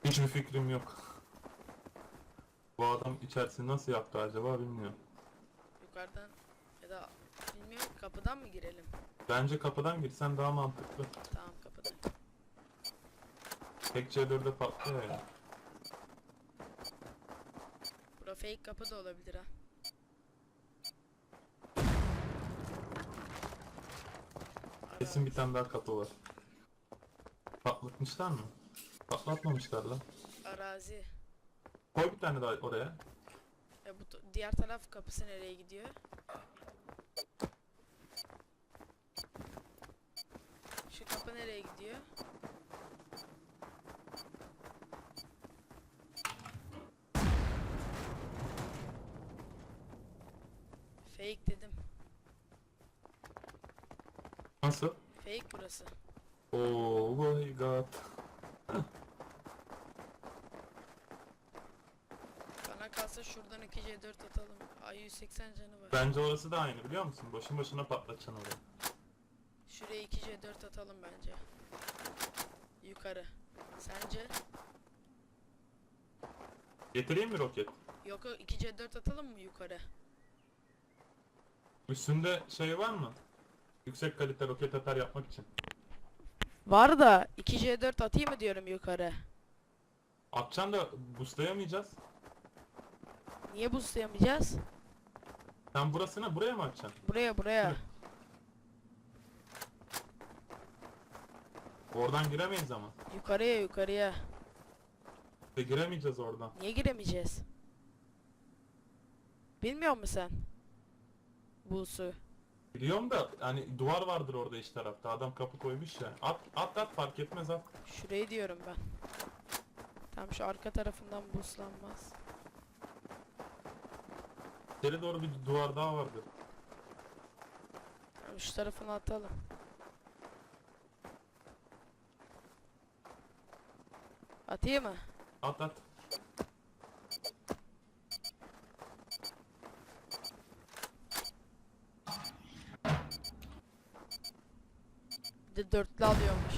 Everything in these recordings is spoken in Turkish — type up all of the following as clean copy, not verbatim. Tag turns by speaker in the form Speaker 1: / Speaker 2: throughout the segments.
Speaker 1: Hiçbir fikrim yok. Bu adam içerisini nasıl yaptı acaba bilmiyorum.
Speaker 2: Yukarıdan ya da bilmiyorum, kapıdan mı girelim?
Speaker 1: Bence kapıdan girsen daha mantıklı.
Speaker 2: Tamam, kapıdan.
Speaker 1: Tek C4'e patlıyor ya.
Speaker 2: Bura fake kapı da olabilir ha.
Speaker 1: Kesin bir tane daha kapı var. Patlatmışlar mı? Patlatmamışlar lan.
Speaker 2: Arazi.
Speaker 1: Koy bir tane daha oraya.
Speaker 2: Bu diğer taraf kapısı nereye gidiyor? Şu kapı nereye gidiyor? Fake dedim.
Speaker 1: Nasıl?
Speaker 2: Fake burası.
Speaker 1: Oh my god.
Speaker 2: Bana kalsa şuradan 2C4 atalım. Ay 180 canı var.
Speaker 1: Bence orası da aynı biliyor musun? Boşun boşuna patlatacaksın orayı.
Speaker 2: Şuraya 2C4 atalım bence. Yukarı. Sence?
Speaker 1: Getireyim mi roket?
Speaker 2: Yok, 2C4 atalım mı yukarı?
Speaker 1: Üstünde şey var mı? Yüksek kalite roket atar yapmak için.
Speaker 2: Var da 2C4 atayım mı diyorum yukarı.
Speaker 1: Atacaksın da boostlayamayacağız.
Speaker 2: Niye boostlayamayacağız?
Speaker 1: Sen burasına buraya mı atacaksın?
Speaker 2: Buraya.
Speaker 1: Oradan giremeyiz ama.
Speaker 2: Yukarıya.
Speaker 1: Giremeyeceğiz oradan.
Speaker 2: Niye giremeyeceğiz? Bilmiyor musun sen? Busu.
Speaker 1: Biliyorum da hani duvar vardır orada iç tarafta. Adam kapı koymuş ya. At fark etmez at.
Speaker 2: Şurayı diyorum ben. Tam şu arka tarafından buslanmaz.
Speaker 1: İçeri doğru bir duvar daha vardır.
Speaker 2: Tamam, şu tarafını atalım. Atayım mı?
Speaker 1: At.
Speaker 2: Bir de dörtlü alıyormuş.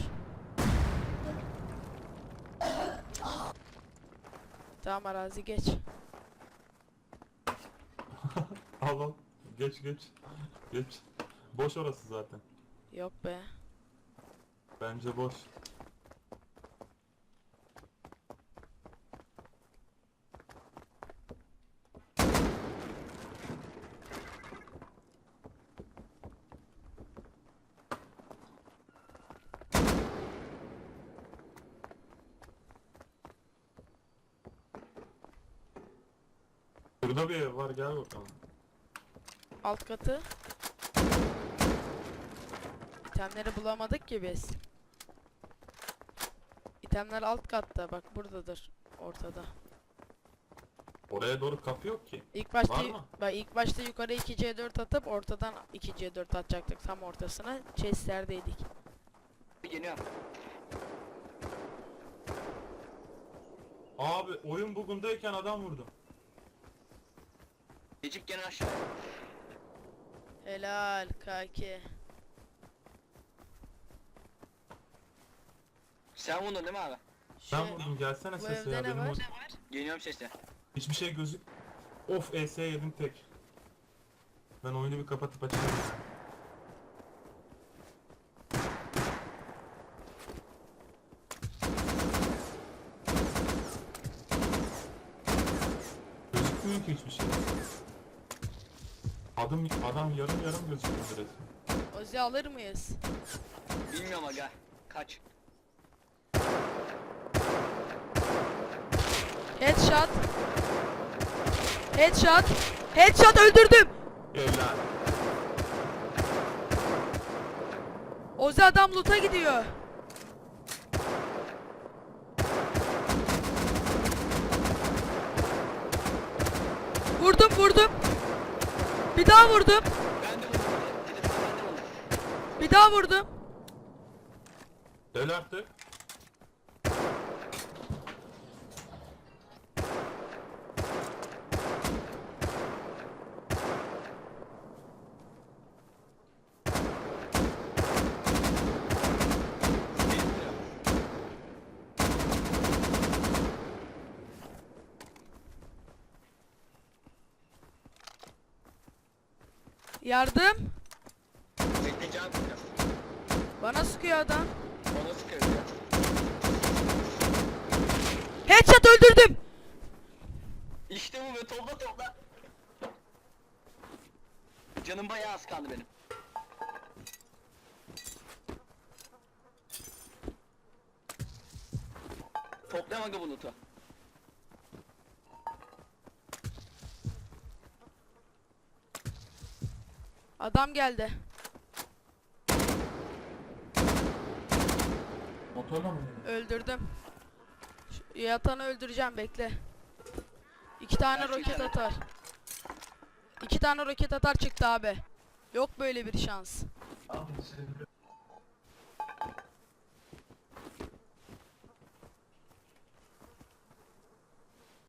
Speaker 2: Tamam, arazi geç.
Speaker 1: Al. Geç. Geç. Boş orası zaten.
Speaker 2: Yok be.
Speaker 1: Bence boş. Burada bir ev var gel bakalım.
Speaker 2: Alt katı. İtemleri bulamadık ki biz. İtemler alt katta, bak buradadır, ortada.
Speaker 1: Oraya doğru kapı yok ki.
Speaker 2: İlk başta
Speaker 1: Var mı?
Speaker 2: bak, ilk başta yukarı 2C4 atıp ortadan 2C4 atacaktık tam ortasına. Chest'lerdeydik.
Speaker 3: Geliyorum.
Speaker 1: Abi oyun bugundayken adam vurdum.
Speaker 3: Necip gene aşağı.
Speaker 2: Helal kaki.
Speaker 3: Sen vurdun değil mi abi?
Speaker 1: Ben vurdum gelsene
Speaker 2: bu
Speaker 1: sese
Speaker 2: evde
Speaker 1: ya
Speaker 2: ne
Speaker 1: benim
Speaker 2: var?
Speaker 3: Geliyorum sesle.
Speaker 1: hiçbir şey gözük. Of ES yedim tek. Ben oyunu bir kapatıp açayım. Gözükmüyor ki hiçbir şey. Adam yarım gözüküyor resmen.
Speaker 2: Ozi alır mıyız?
Speaker 3: Bilmiyorum aga. Kaç.
Speaker 2: Headshot. Headshot öldürdüm.
Speaker 1: Evlen.
Speaker 2: Ozi adam loot'a gidiyor. Vurdum. Bir daha vurdum.
Speaker 3: Ben de vurdum. Dedim ben de vurdum.
Speaker 2: Bir daha vurdum.
Speaker 1: Öl artık.
Speaker 2: Yardım.
Speaker 3: Bekle can sıkıyor.
Speaker 2: Bana sıkıyor adam.
Speaker 3: Bana sıkıyor ya.
Speaker 2: Headshot öldürdüm.
Speaker 3: İşte bu be, topla topla. Canım bayağı az kaldı benim. Toplayam aga bu loot'u.
Speaker 2: Adam geldi.
Speaker 1: Motorla mı?
Speaker 2: Öldürdüm. Yatanı öldüreceğim, bekle. 2 tane
Speaker 3: Ben
Speaker 2: roket
Speaker 3: çekerim.
Speaker 2: atar. 2 tane roket atar çıktı abi. Yok böyle bir şans.
Speaker 1: Abi,